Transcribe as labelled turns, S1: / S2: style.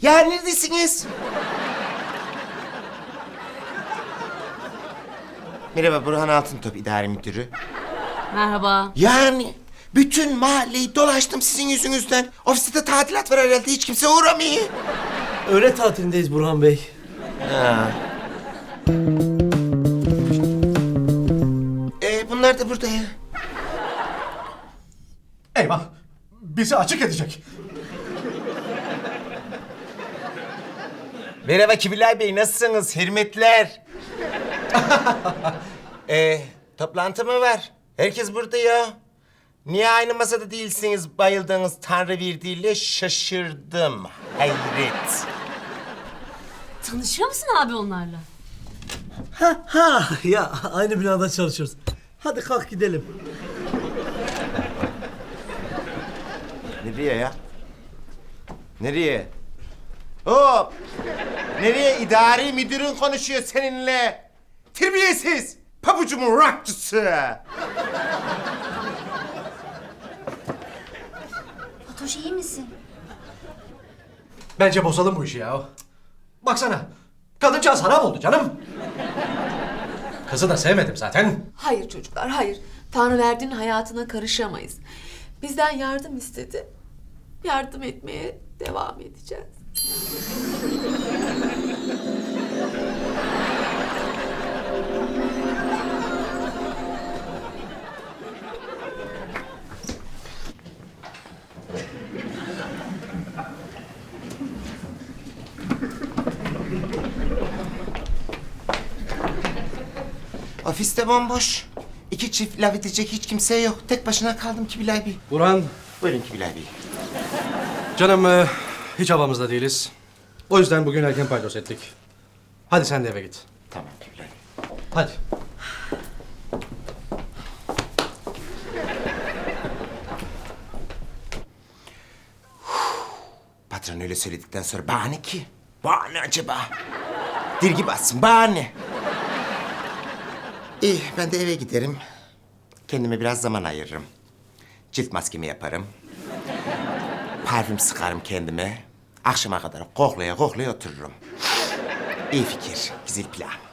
S1: Ya neredesiniz? Merhaba, Burhan Altıntop, İdare Müdürü.
S2: Merhaba.
S1: Yani bütün mahalleyi dolaştım sizin yüzünüzden. Ofiste de tadilat var herhalde, hiç kimse uğramıyor.
S3: Öğle tatilindeyiz Burhan Bey.
S1: Ha. Bunlar da burada ya.
S4: Eyvah! Bizi açık edecek.
S1: Merhaba Kibilay Bey, nasılsınız? Hürmetler. Toplantı mı var? Herkes burada ya. Niye aynı masada değilsiniz? Bayıldığınız Tanrı verdiğiyle şaşırdım. Hayret.
S2: Tanışıyor musun abi onlarla?
S3: Ha ya aynı binada çalışıyoruz. Hadi kalk gidelim.
S1: Nereye ya? Nereye? Hop! Nereye? İdari müdürün konuşuyor seninle. Terbiyesiz! Pabucumun rockçısı!
S5: Fatoş iyi misin?
S4: Bence bozalım bu işi ya. Baksana. Kadıncağız harap oldu canım. Kızı da sevmedim zaten.
S6: Hayır çocuklar, hayır. Tanrı verdiğin hayatına karışamayız. Bizden yardım istedi. Yardım etmeye devam edeceğiz.
S1: Ofiste bomboş. İki çift laf edecek hiç kimse yok. Tek başına kaldım Kibilay Bey.
S4: Burhan,
S1: Buyurun Kibilay Bey.
S4: canım hiç havamızda değiliz. O yüzden bugün erken paydos ettik. Hadi sen de eve git.
S1: Tamam Kibilay Bey.
S4: Hadi.
S1: Patron öyle söyledikten sonra bahane ki. Bahane acaba? Dirgi bassın bahane. İyi ben de eve giderim. Kendime biraz zaman ayırırım. Cilt maskemi yaparım. Parfüm sıkarım kendime. Akşama kadar koklaya koklaya otururum. İyi fikir, güzel plan.